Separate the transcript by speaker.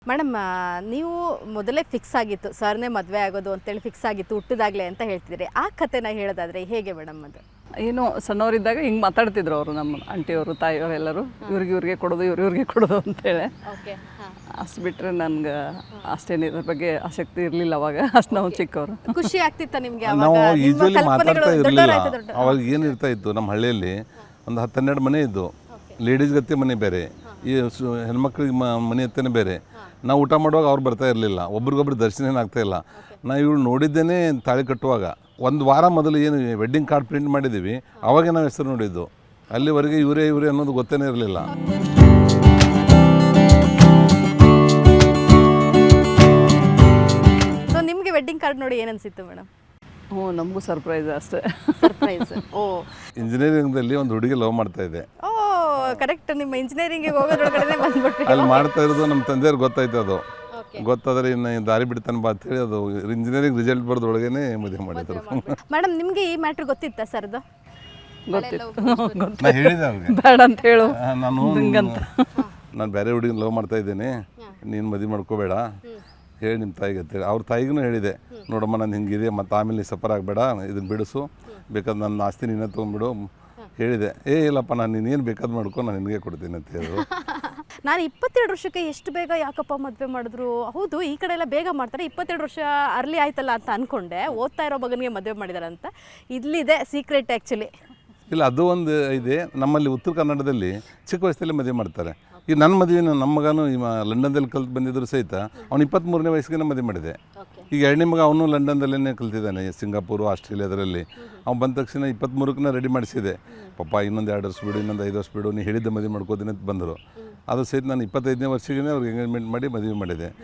Speaker 1: Madam ನೀವು ಮೊದಲೇ fix ಆಗಿತ್ತು ಸರ್ನೇ ಮದುವೆ ಆಗೋದು ಅಂತೇಳಿ ಫಿಕ್ಸ್ ಆಗಿತ್ತು ಹುಟ್ಟಿದಾಗಲೇ ಅಂತ ಹೇಳ್ತಿದ್ರಿ. ಆ ಕಥೆನ ಹೇಳೋದಾದ್ರೆ ಹೇಗೆ ಮೇಡಮ್ ಅದು?
Speaker 2: ಏನೋ ಸಣ್ಣವರಿದ್ದಾಗ ಹಿಂಗೆ ಮಾತಾಡ್ತಿದ್ರು ಅವರು, ನಮ್ಮ ಆಂಟಿಯವರು ತಾಯಿಯವರು ಎಲ್ಲರೂ, ಇವ್ರಿಗೆ ಕೊಡೋದು ಇವ್ರಿಗೆ ಕೊಡೋದು ಅಂತೇಳಿ. ಅಷ್ಟು ಬಿಟ್ಟರೆ ನನಗೆ ಅಷ್ಟೇನು ಇದ್ರ ಬಗ್ಗೆ ಆಸಕ್ತಿ ಇರಲಿಲ್ಲ ಅವಾಗ, ಅಷ್ಟು ನಾವು ಚಿಕ್ಕವರು.
Speaker 1: ಖುಷಿ ಆಗ್ತಿತ್ತ ನಿಮಗೆ?
Speaker 3: ನಾವು ಯೂಶ್ವಲಿ ಮಾತಾಡ್ತಾ ಇರಲಿಲ್ಲ. ಅವಾಗ ಏನಿರ್ತಾ ಇತ್ತು, ನಮ್ಮ ಹಳ್ಳಿಯಲ್ಲಿ ಒಂದು 10-12 ಮನೆ ಇದ್ದು, ಲೇಡೀಸ್ ಗತ್ತೆ ಮನೆ ಬೇರೆ, ಈ ಹೆಣ್ಮಕ್ಳಿಗೆ ಮನೆ ಹತ್ತನೇ ಬೇರೆ. ನಾವು ಊಟ ಮಾಡುವಾಗ ಅವ್ರು ಬರ್ತಾ ಇರಲಿಲ್ಲ, ಒಬ್ರಿಗೊಬ್ರು ದರ್ಶನ ಆಗ್ತಾ ಇಲ್ಲ. ನಾವು ಇವಳು ನೋಡಿದ್ದೇನೆ ತಾಳಿ ಕಟ್ಟುವಾಗ 1 ವಾರ ಮೊದಲು ಏನು ವೆಡ್ಡಿಂಗ್ ಕಾರ್ಡ್ ಪ್ರಿಂಟ್ ಮಾಡಿದ್ದೀವಿ, ಅವಾಗೇ ನಾವು ಹೆಸರು ನೋಡಿದ್ದು. ಅಲ್ಲಿವರೆಗೆ ಇವರೇ ಅನ್ನೋದು ಗೊತ್ತೇ ಇರಲಿಲ್ಲ.
Speaker 1: ಸೊ ನಿಮಗೆ ವೆಡ್ಡಿಂಗ್ ಕಾರ್ಡ್ ನೋಡಿ ಏನನ್ಸಿತ್ತು ಮೇಡಮ್?
Speaker 2: ಹ್ಞೂ, ನಮಗೂ ಸರ್ಪ್ರೈಸ್ ಅಷ್ಟೇ.
Speaker 1: ಸರ್ಪ್ರೈಸ್. ಓ,
Speaker 3: ಇಂಜಿನಿಯರಿಂಗ್ದಲ್ಲಿ ಒಂದು ಹುಡುಗಿ ಲವ್ ಮಾಡ್ತಾ ಇದೆ.
Speaker 1: Oh correct. ನಿಮ್ಮ ಇಂಜಿನಿಯರಿಂಗಿಗೆ ಹೋಗೋದ್ರೊಳಗಡೆ ಬಂದ್ಬಿಟ್ರಿ.
Speaker 3: ಅಲ್ಲಿ ಮಾಡ್ತಾ ಇರೋದು ನಮ್ಮ ತಂದೆಯವ್ರಿಗೆ ಗೊತ್ತಾಯ್ತು. ಅದು ಗೊತ್ತಾದರೆ ಇನ್ನು ದಾರಿ ಬಿಡ್ತಾನೆ ಬಾ ಅಂತೇಳಿ ಅದು ಇಂಜಿನಿಯರಿಂಗ್ ರಿಸಲ್ಟ್ ಬರೋದ್ರೊಳಗೇನೆ ಮದುವೆ ಮಾಡಿದ್ರು.
Speaker 1: ಮೇಡಮ್ ನಿಮಗೆ ಈ ಮ್ಯಾಟ್ರ್ ಗೊತ್ತಿತ್ತಾ ಸರ್ದು?
Speaker 2: ಗೊತ್ತಿತ್ತು.
Speaker 3: ನಾನು ಹೇಳಿದೆ ಅವ್ರಿಗೆ,
Speaker 2: ಬೇಡ ಅಂತ ಹೇಳು,
Speaker 3: ನಾನು ಬೇರೆ ಹುಡುಗಿನ ಲವ್ ಮಾಡ್ತಾ ಇದ್ದೇನೆ, ನೀನು ಮದುವೆ ಮಾಡ್ಕೋಬೇಡ ಹೇಳಿ ನಿಮ್ಮ ತಾಯಿಗೆ ಅಂತೇಳಿ. ಅವ್ರ ತಾಯಿಗೂ ಹೇಳಿದೆ, ನೋಡಮ್ಮ ನಾನು ಹಿಂಗಿದೆ, ಮತ್ತು ಆಮೇಲೆ ಸಫರ್ ಆಗಬೇಡ, ಇದನ್ನು ಬಿಡಿಸು, ಬೇಕಾದ್ರೆ ನನ್ನ ಆಸ್ತಿ ನೀನೇ ತೊಗೊಂಡ್ಬಿಡು ಹೇಳಿದೆ. ಇಲ್ಲಪ್ಪ, ನಾನು ನೀನೇನು ಬೇಕಾದ್ ಮಾಡ್ಕೊ, ನಾನು ನಿನಗೆ ಕೊಡ್ತೀನಿ ಅಂತ ಹೇಳಿದ್ರು.
Speaker 1: ನಾನು 22 ವರ್ಷಕ್ಕೆ ಎಷ್ಟು ಬೇಗ ಯಾಕಪ್ಪ ಮದುವೆ ಮಾಡಿದ್ರು? ಹೌದು, ಈ ಕಡೆ ಎಲ್ಲ ಬೇಗ ಮಾಡ್ತಾರೆ, 22 ವರ್ಷ ಅರ್ಲಿ ಆಯ್ತಲ್ಲ ಅಂತ ಅಂದ್ಕೊಂಡೆ. ಓದ್ತಾ ಇರೋ ಮಗನಿಗೆ ಮದುವೆ ಮಾಡಿದಾರೆ ಅಂತ. ಇಲ್ಲಿದೆ ಸೀಕ್ರೆಟ್ ಆ್ಯಕ್ಚುಲಿ.
Speaker 3: ಇಲ್ಲ, ಅದು ಒಂದು ಇದೆ. ನಮ್ಮಲ್ಲಿ ಉತ್ತರ ಕನ್ನಡದಲ್ಲಿ ಚಿಕ್ಕ ವಯಸ್ಸಲ್ಲಿ ಮದುವೆ ಮಾಡ್ತಾರೆ. ಈಗ ನನ್ನ ಮದುವೆ, ನಮ್ಮ ಮಗನೂ ಲಂಡನ್ದಲ್ಲಿ ಕಲ್ತು ಬಂದಿದ್ರು ಸಹಿತ ಅವ್ನು 23ನೇ ವಯಸ್ಸಿಗೆ ಮದುವೆ ಮಾಡಿದೆ. ಈಗ 2ನೇ ಮಗ ಅವನು ಲಂಡನ್ದಲ್ಲೇ ಕಲ್ತಿದ್ದಾನೆ, ಸಿಂಗಾಪುರು, ಆಸ್ಟ್ರೇಲಿಯಾದರಲ್ಲಿ. ಅವ್ನು ಬಂದ ತಕ್ಷಣ 23ಕ್ಕೆ ರೆಡಿ ಮಾಡಿಸಿದೆ. ಪಾಪ ಇನ್ನೊಂದು 2 ವರ್ಷ ಬಿಡು, ಇನ್ನೊಂದು 5 ವರ್ಷ ಬಿಡು, ನೀ ಹೇಳಿದ್ದ ಮದುವೆ ಮಾಡ್ಕೋತೀನಿ ಅಂತ ಬಂದರು. ಅದು ಸಹಿತ ನಾನು 25ನೇ ವರ್ಷಕ್ಕೆ ಅವ್ರಿಗೆ ಎಂಗೇಜ್ಮೆಂಟ್ ಮಾಡಿ ಮದುವೆ ಮಾಡಿದೆ.